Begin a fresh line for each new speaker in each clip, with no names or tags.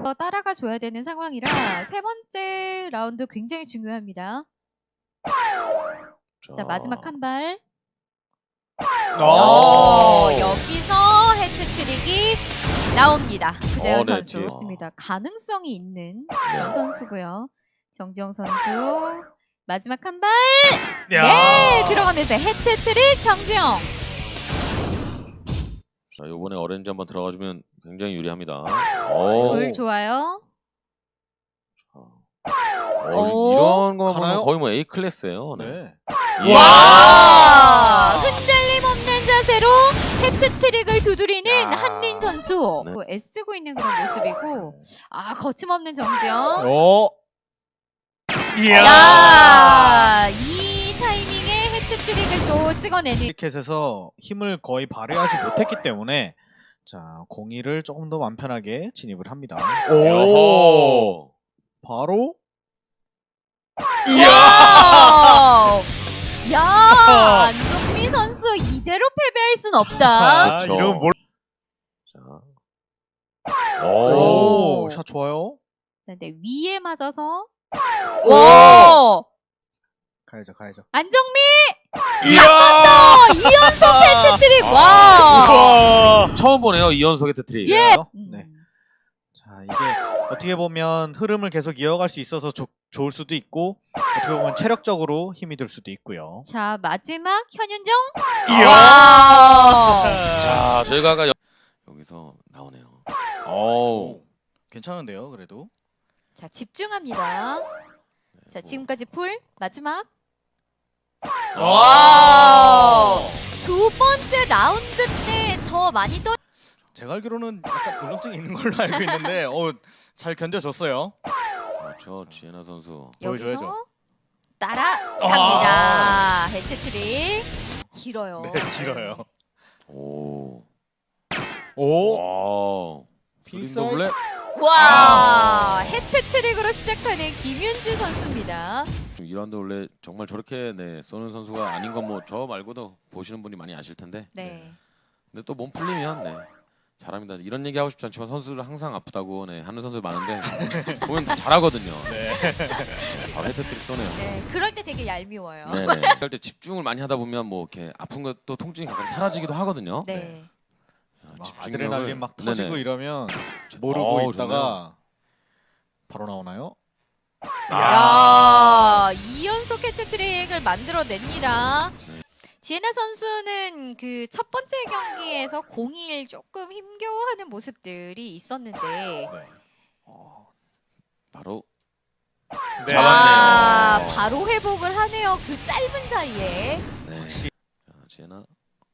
따라가 줘야 되는 상황이라 세 번째 라운드 굉장히 중요합니다. 자, 마지막 한 발. 여기서 해트트릭이 나옵니다. 구재현 선수.
네,
좋습니다. 가능성이 있는 그런 선수고요. 정지영 선수 마지막 한 발. 네, 들어가면서 해트트릭 정지영.
자, 이번에 어렌지 한번 들어가주면 굉장히 유리합니다.
골 좋아요.
이런 거
가나요?
거의 뭐 A 클래스예요. 네.
네.
와! 흔들림 없는 자세로 해트트릭을 두드리는 한린 선수.
네.
애쓰고 있는 그런 모습이고, 거침없는 정지영. 야! 이 타이밍에 해트트릭을 또 찍어내는.
크리켓에서 힘을 거의 발휘하지 못했기 때문에 자, 공이를 조금 더 마음 편하게 진입을 합니다.
오!
바로
와우! 야! 안종미 선수 이대로 패배할 순 없다.
그렇죠.
이러면 뭘?
자.
오, 샷 좋아요.
네, 위에 맞아서.
오!
와!
가야죠.
안정미!
이야!
2연속 해트트릭! 와!
처음 보네요, 이연속 해트트릭.
예!
네. 자, 이게 어떻게 보면 흐름을 계속 이어갈 수 있어서 좋을 수도 있고 어떻게 보면 체력적으로 힘이 들 수도 있고요.
자, 마지막 현윤정.
이야!
자, 저희가 아까 여기서 나오네요. 오.
괜찮은데요, 그래도.
자, 집중합니다. 자, 지금까지 풀 마지막.
와!
두 번째 라운드 때 더 많이
제가 알기로는 약간 울렁증이 있는 걸로 알고 있는데 잘 견뎌줬어요.
그렇죠, 지혜나 선수.
여기서
보여줘야죠.
따라갑니다. 해트트릭. 길어요.
네, 길어요.
오.
오!
와.
피닉스
스프링 더블렛.
와! 해트트릭으로 시작하는 김윤주 선수입니다.
2라운드 원래 정말 저렇게 쏘는 선수가 아닌 건 뭐 저 말고도 보시는 분이 많이 아실 텐데.
네.
근데 또 몸 풀리면 잘합니다. 이런 얘기 하고 싶지 않지만 선수들 항상 아프다고 하는 선수 많은데 보면 다 잘하거든요. 바로 해트트릭 쏘네요.
네, 그럴 때 되게 얄미워요.
네네. 그럴 때 집중을 많이 하다 보면 뭐 이렇게 아픈 것도 통증이 가끔 사라지기도 하거든요.
네.
막
집중력을-
아드레날린 막 터지고
네네.
이러면 모르고
어우,
있다가 바로 나오나요?
야, 2연속 해트트릭을 만들어냅니다. 지혜나 선수는 그 첫 번째 경기에서 0-1 조금 힘겨워하는 모습들이 있었는데
바로
와,
잡았네요.
바로 회복을 하네요. 그 짧은 사이에.
네. 자, 지혜나.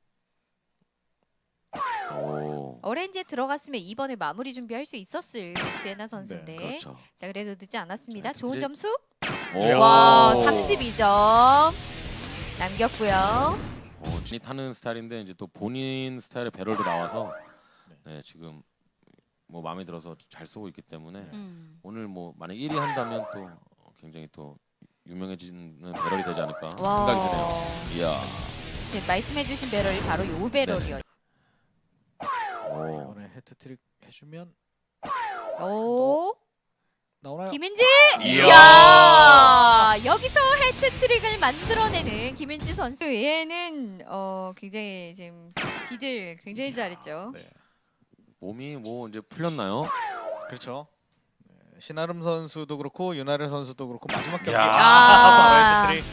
오.
오렌지에 들어갔으면 이번에 마무리 준비할 수 있었을 지혜나 선수인데.
그렇죠.
자, 그래도 늦지 않았습니다.
자,
좋은
해트트릭.
점수.
오.
와, 32점 남겼고요.
진이 타는 스타일인데 이제 또 본인 스타일의 배럴도 나와서 지금 뭐 마음에 들어서 잘 쏘고 있기 때문에 오늘 뭐 만약 1위 한다면 또 굉장히 또 유명해지는 배럴이 되지 않을까 생각이 드네요. 이야.
네, 말씀해주신 배럴이 바로 요 배럴이요.
오.
이번에 해트트릭 해주면
오,
나오나요?
김은지.
이야.
야, 여기서 해트트릭을 만들어내는 김은지 선수. 얘는 굉장히 지금 디들 굉장히 잘했죠.
네.
몸이 뭐 이제 풀렸나요?
그렇죠. 네, 신아름 선수도 그렇고 윤아래 선수도 그렇고 마지막 경기
야.
바로 해트트릭.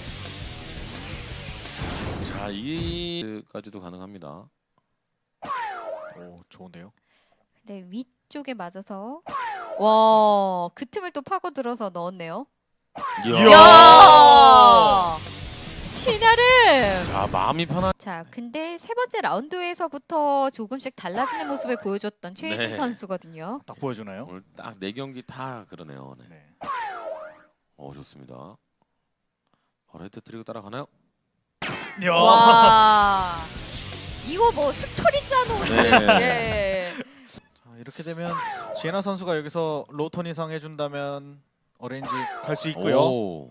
자, 이까지도 가능합니다.
오, 좋은데요.
네, 위쪽에 맞아서 와, 그 틈을 또 파고들어서 넣었네요. 야! 신아름.
자, 마음이 편한.
자, 근데 세 번째 라운드에서부터 조금씩 달라지는 모습을 보여줬던 최혜진
네.
선수거든요.
딱 보여주나요?
오늘 딱 4경기 다 그러네요. 네.
네.
좋습니다. 바로 해트트릭 따라가나요?
야.
와, 이거 뭐 스토리 짜놓은.
네.
네.
자, 이렇게 되면 지혜나 선수가 여기서 로톤 이상 해준다면 오렌지 갈 수 있고요.
오.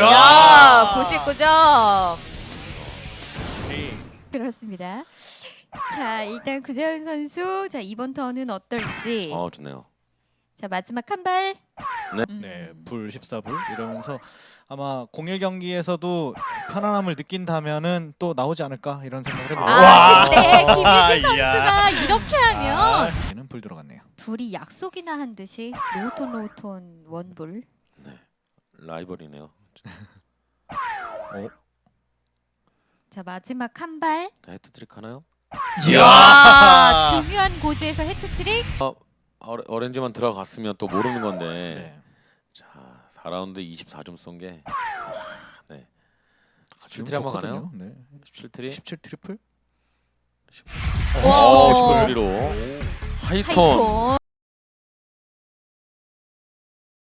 야, 99점. 그렇습니다. 자 일단 구자현 선수 자 이번 턴은 어떨지.
좋네요.
자 마지막 한 발.
네, 불 14불 이러면서 아마 01 경기에서도 편안함을 느낀다면은 또 나오지 않을까 이런 생각을 해봅니다.
아 근데 김유진
이야.
선수가 이렇게 하면
얘는 불 들어갔네요.
둘이 약속이나 한 듯이 로톤 원불.
라이벌이네요.
자 마지막 한 발.
헤트트릭 하나요?
와 중요한 고지에서 헤트트릭.
어렌지만 들어갔으면 또 모르는 건데.
네.
자, 4라운드 24점 쏜 게. 네.
지금
17트리 한번
좋거든요.
가나요?
네.
17트리?
17 트리플?
와.
19트리로 하이톤.